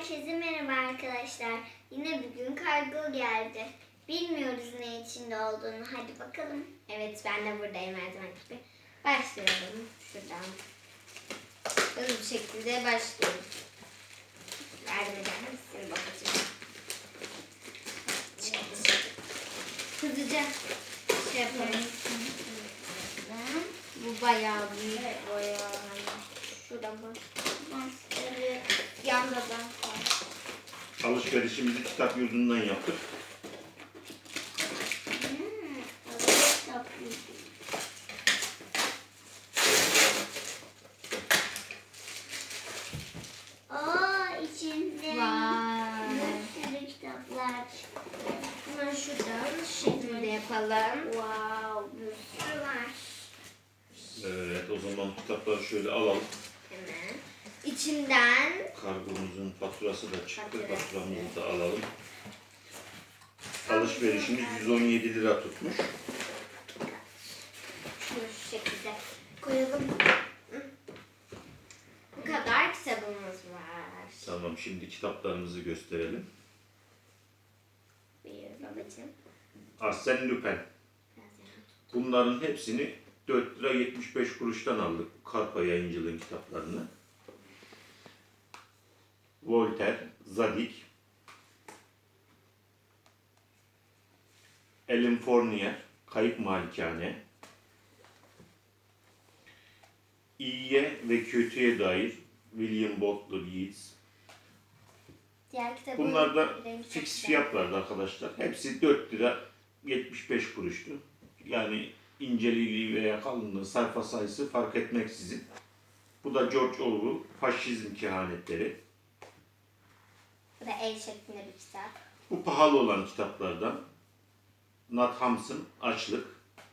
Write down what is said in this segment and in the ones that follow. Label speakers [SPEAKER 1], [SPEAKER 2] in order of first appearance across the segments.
[SPEAKER 1] Herkese merhaba arkadaşlar. Yine bugün kargo geldi. Bilmiyoruz ne içinde olduğunu. Hadi bakalım.
[SPEAKER 2] Evet, ben de buradayım her zaman gibi. Başlayalım şuradan. Hızlı bir şekilde başlayalım. Yardım eder misin babacığım? Hızlıca şey yapalım. Bu bayağı büyük.
[SPEAKER 1] Evet.
[SPEAKER 2] Bayağı. Şurada mı? Yanda da var.
[SPEAKER 3] Alışverişimizi kitap yurdundan yaptık.
[SPEAKER 1] İçinde
[SPEAKER 2] Vay.
[SPEAKER 1] bir sürü kitaplar.
[SPEAKER 2] Hemen şuradan şu şekilde yapalım.
[SPEAKER 1] Wow, bir sürü var.
[SPEAKER 3] Evet, o zaman kitapları şöyle alalım.
[SPEAKER 2] Hemen. İçinden
[SPEAKER 3] Kargomuzun faturası da çıktı.
[SPEAKER 2] Fatura.
[SPEAKER 3] Faturamızı da alalım. Alışverişimiz 117 lira tutmuş.
[SPEAKER 2] şunu şu şekilde koyalım. Bu kadar kitabımız var.
[SPEAKER 3] Tamam, şimdi kitaplarımızı gösterelim.
[SPEAKER 2] Buyur babacığım.
[SPEAKER 3] Arsène Lupin.
[SPEAKER 2] Biraz yana.
[SPEAKER 3] Bunların hepsini 4 lira 75 kuruştan aldık. Karpa Yayıncılığın kitaplarını. Voltaire, Zadig, Ellen Fournier, Kayıp Malikane, İyiye ve kötüye dair William Butler Yeats.
[SPEAKER 2] Diğer kitabı
[SPEAKER 3] Bunlar da
[SPEAKER 2] rengi çok
[SPEAKER 3] fix
[SPEAKER 2] güzel.
[SPEAKER 3] fiyatlardı arkadaşlar. Hepsi 4 lira 75 kuruştu. Yani inceliği veya kalınlığı, sayfa sayısı fark etmeksizin. Bu da George Orwell, Faşizm Kehanetleri.
[SPEAKER 2] Bu da el şeklinde bir kitap.
[SPEAKER 3] Bu pahalı olan kitaplardan. Nat Hamsun, Açlık.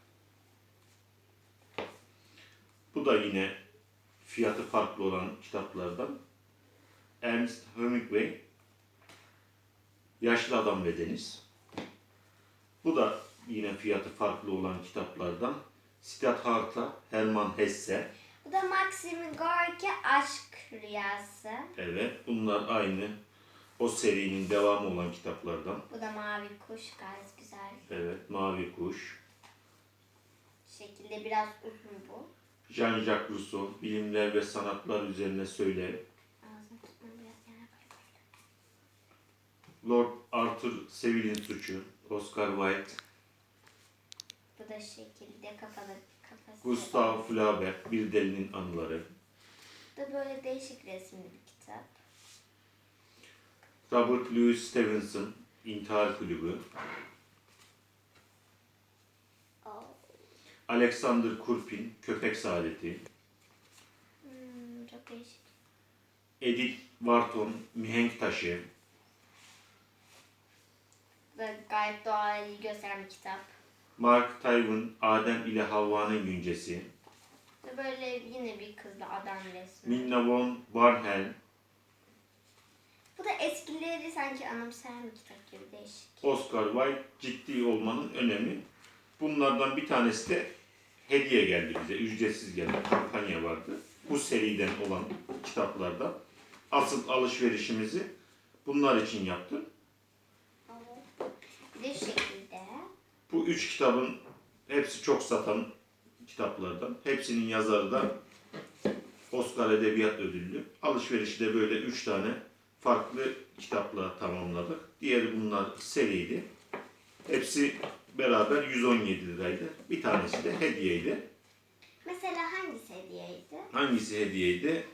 [SPEAKER 3] Bu da yine fiyatı farklı olan kitaplardan. Ernest Hemingway, Yaşlı Adam ve Deniz. Bu da yine fiyatı farklı olan kitaplardan. Siddhartha, Hermann Hesse.
[SPEAKER 2] Bu da Maxim Gorki Aşk Rüyası.
[SPEAKER 3] Evet, bunlar aynı o serinin devamı olan kitaplardan.
[SPEAKER 2] Bu da Mavi Kuş, gayet güzel.
[SPEAKER 3] Evet, Mavi Kuş.
[SPEAKER 2] Bu şekilde biraz uzun bu.
[SPEAKER 3] Jean-Jacques Rousseau, Bilimler ve Sanatlar Üzerine Söyle.
[SPEAKER 2] Ağzını tutma, biraz yana koy.
[SPEAKER 3] Lord Arthur Seville'in Suçu, Oscar Wilde.
[SPEAKER 2] Bu da şekilde kafası.
[SPEAKER 3] Gustave Flaubert, Bir Delinin Anıları.
[SPEAKER 2] Bu da böyle değişik resimli bir kitap.
[SPEAKER 3] Robert Louis Stevenson, İntihar Kulübü.
[SPEAKER 2] Oh.
[SPEAKER 3] Alexander Kurpin, Köpek Saadeti.
[SPEAKER 2] Çok değişik.
[SPEAKER 3] Edith Wharton, Mihenk Taşı.
[SPEAKER 2] Bu da gayet doğayı gösteren bir kitap.
[SPEAKER 3] Mark Twain, Adem ile Havva'nın Güncesi.
[SPEAKER 2] Bu da böyle yine bir kızla adam resmi.
[SPEAKER 3] Minna von Barnhelm,
[SPEAKER 2] Bu da eskileri sanki anımsayan bir kitap gibi değişik.
[SPEAKER 3] Oscar Wilde, Ciddi Olmanın Önemi. Bunlardan bir tanesi de hediye geldi bize. Ücretsiz geldi. Kampanya vardı. Bu seriden olan kitaplardan. Asıl alışverişimizi bunlar için yaptım.
[SPEAKER 2] Bir de şu şekilde.
[SPEAKER 3] Bu 3 kitabın hepsi çok satan kitaplardan. Hepsinin yazarı da Oscar Edebiyat Ödüllü. Alışverişi de böyle 3 tane farklı kitapla tamamladık. Diğeri bunlar seriydi. Hepsi beraber 117 liraydı. Bir tanesi de hediyeydi.
[SPEAKER 2] Mesela hangisi hediyeydi?
[SPEAKER 3] Hangisi hediyeydi?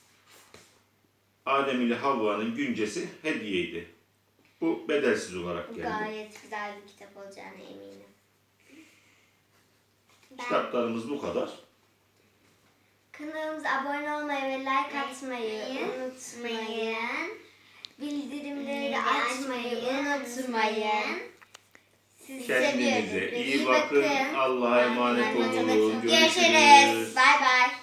[SPEAKER 3] Adem ile Havva'nın Güncesi hediyeydi. Bu bedelsiz olarak
[SPEAKER 2] Bu
[SPEAKER 3] geldi.
[SPEAKER 2] gayet güzel bir kitap olacağına eminim.
[SPEAKER 3] Kitaplarımız bu kadar.
[SPEAKER 2] Kanalımıza abone olmayı ve like atmayı unutmayın. Bildirimleri açmayı unutmayın. Sizi
[SPEAKER 3] Kendinize
[SPEAKER 2] seviyoruz.
[SPEAKER 3] iyi bakın. Allah'a emanet olun.
[SPEAKER 2] Görüşürüz. Bay bay.